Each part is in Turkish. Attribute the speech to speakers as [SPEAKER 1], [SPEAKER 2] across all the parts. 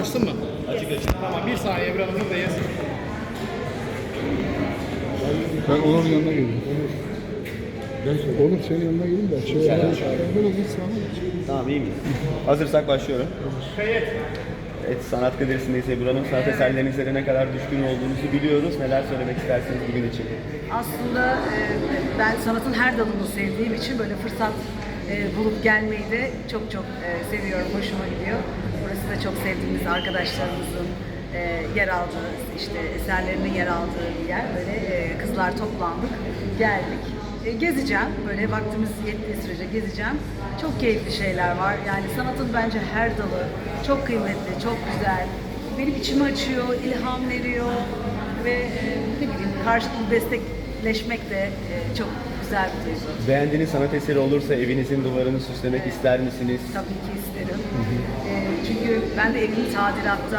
[SPEAKER 1] açtın mı?
[SPEAKER 2] Açık açık.
[SPEAKER 1] Tamam, bir saniye Ebru Hanım buradayız.
[SPEAKER 3] Ben Onur'un yanına geleyim. Onur senin yanına geleyim de. Böyle git sana.
[SPEAKER 2] Tamam, iyi miyiz? Hazırsak başlıyorum.
[SPEAKER 1] Kayıt.
[SPEAKER 2] Evet, sanat galerisindeyiz Ebru Hanım. Sanat eserlerinize ne kadar düşkün olduğunuzu biliyoruz. Neler söylemek istersiniz bugün için?
[SPEAKER 4] Aslında ben sanatın her dalını sevdiğim için böyle fırsat bulup gelmeyi de çok seviyorum, hoşuma gidiyor. Burası da çok sevdiğimiz arkadaşlarımızın yer aldığı, işte eserlerinin yer aldığı bir yer. Böyle kızlar toplandık, geldik. Gezeceğim, böyle vaktimiz yettiği sürece gezeceğim. Çok keyifli şeyler var. Yani sanatın bence her dalı çok kıymetli, çok güzel. Benim içimi açıyor, ilham veriyor ve ne bileyim karşılıklı destekleşmek de çok güzel bir duygu.
[SPEAKER 2] Beğendiğiniz sanat eseri olursa evinizin duvarını süslemek ister misiniz?
[SPEAKER 4] Tabii ki isterim. Çünkü ben de evimi tadilatta,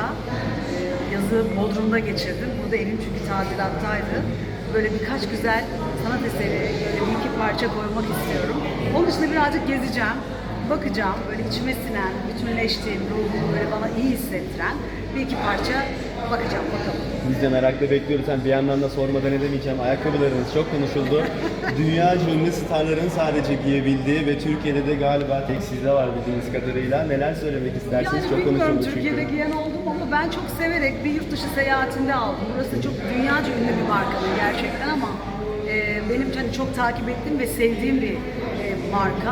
[SPEAKER 4] yazı Bodrum'da geçirdim. Bu da evim çünkü tadilattaydı. Böyle birkaç güzel sanat eseri, böyle bir iki parça koymak istiyorum. Onun için de birazcık gezeceğim, bakacağım. Böyle içime sinen, bütünleştiğim, ruhumu böyle bana iyi hissettiren bir iki parça bakacağım, bakalım.
[SPEAKER 2] Biz de merakla bekliyoruz. Hem bir yandan da sormadan edemeyeceğim. Ayakkabılarınız çok konuşuldu. Dünyaca ünlü starların sadece giyebildiği ve Türkiye'de de galiba tek sizde var bildiğiniz kadarıyla. Neler söylemek istersiniz?
[SPEAKER 4] Yani
[SPEAKER 2] Çok
[SPEAKER 4] bilmiyorum
[SPEAKER 2] konuşuldu
[SPEAKER 4] Türkiye'de
[SPEAKER 2] çünkü.
[SPEAKER 4] giyen oldum ama ben çok severek bir yurt dışı seyahatinde aldım. Burası çok dünyaca ünlü bir marka gerçekten ama benim hani çok takip ettiğim ve sevdiğim bir marka.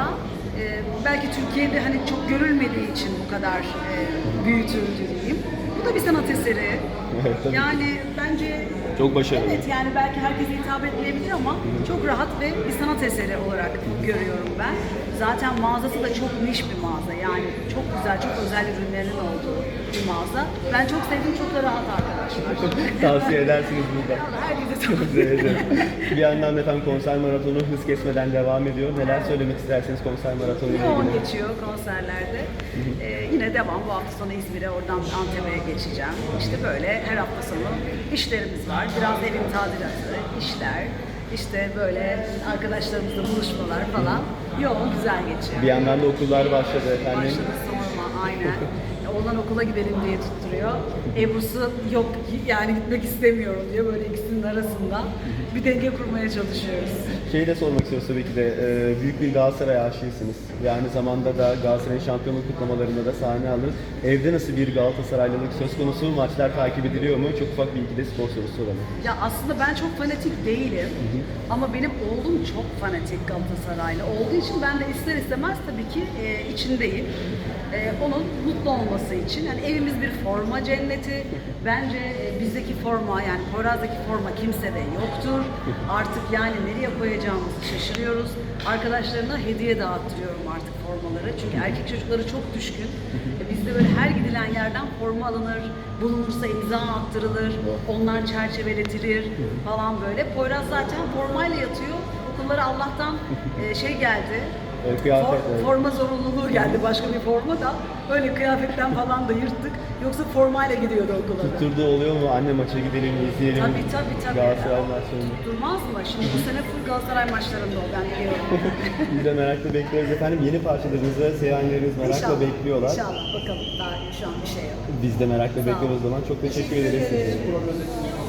[SPEAKER 4] Belki Türkiye'de hani çok görülmediği için bu kadar büyütüldü diyeyim. Bu da bir sanat eseri.
[SPEAKER 2] Evet, tabii.
[SPEAKER 4] Yani bence
[SPEAKER 2] Çok başarılı.
[SPEAKER 4] evet, yani belki herkese hitap etmeyebilir ama çok rahat ve bir sanat eseri olarak görüyorum ben. Zaten mağazası da çok niş bir mağaza. Yani çok güzel, çok özel ürünlerin olduğu bir mağaza. Ben çok sevdim, çok da rahat arkadaşlar.
[SPEAKER 2] Tavsiye edersiniz burada.
[SPEAKER 4] Herkese tavsiye
[SPEAKER 2] Evet,
[SPEAKER 4] ederim.
[SPEAKER 2] evet. Bir yandan da efendim konser maratonu hız kesmeden devam ediyor. Neler söylemek istersiniz konser maratonu ile
[SPEAKER 4] Yoğun
[SPEAKER 2] ilgili?
[SPEAKER 4] geçiyor konserlerde. Yine devam. Bu hafta sonu İzmir'e, oradan Antep'e geçeceğim. İşte böyle her hafta sonu işlerimiz var. Biraz evin tadilatı, işler. İşte böyle arkadaşlarımızla buluşmalar falan. Yoğun, güzel geçiyor.
[SPEAKER 2] Bir yandan da okullar başladı efendim.
[SPEAKER 4] Başladı sorma, aynen. Oğlan okula gidelim diye tutturuyor. Ebru'su yok yani gitmek istemiyorum diyor. Böyle ikisinin arasında bir denge kurmaya çalışıyoruz.
[SPEAKER 2] Şeyi de sormak istiyoruz tabii ki de büyük bir Galatasaray aşığısınız ve aynı zamanda da Galatasaray'ın şampiyonluk kutlamalarında da sahne aldınız. Evde nasıl bir Galatasaraylılık söz konusu? Maçlar takip ediliyor mu? Çok ufak bir iki de spor sorusu soralım.
[SPEAKER 4] Ya aslında ben çok fanatik değilim ama benim oğlum çok fanatik Galatasaraylı olduğu için ben de ister istemez tabii ki içindeyim. Onun mutlu olması için. Yani evimiz bir forma cenneti. Bence bizdeki forma yani Poyraz'daki forma kimsede yoktur. Artık yani nereye koyacağımızı şaşırıyoruz. Arkadaşlarına hediye dağıttırıyorum artık formaları. Çünkü erkek çocukları çok düşkün. Bizde böyle her gidilen yerden forma alınır. Bulunursa imza attırılır. Onlar çerçeveletilir falan böyle. Poyraz zaten formayla yatıyor. Okullara Allah'tan şey geldi.
[SPEAKER 2] Kıyafet,
[SPEAKER 4] Forma zorunluluğu geldi, başka bir forma da öyle kıyafetten falan da yırttık. Yoksa formayla gidiyordu okula.
[SPEAKER 2] Tutturduğu oluyor mu? Anne maça gidelim, izleyelim.
[SPEAKER 4] Tabii.
[SPEAKER 2] Galatasaray maçlarını.
[SPEAKER 4] Tutturmaz mı? Şimdi bu sene full Galatasaray maçlarında o, ben biliyorum.
[SPEAKER 2] Biz de merakla bekliyoruz efendim. Yeni parçalarınızı sevenleriniz merakla bekliyorlar.
[SPEAKER 4] İnşallah bakalım, daha şu an bir şey yok.
[SPEAKER 2] Biz de merakla bekliyoruz o zaman. Çok teşekkür ederiz.
[SPEAKER 4] ederim.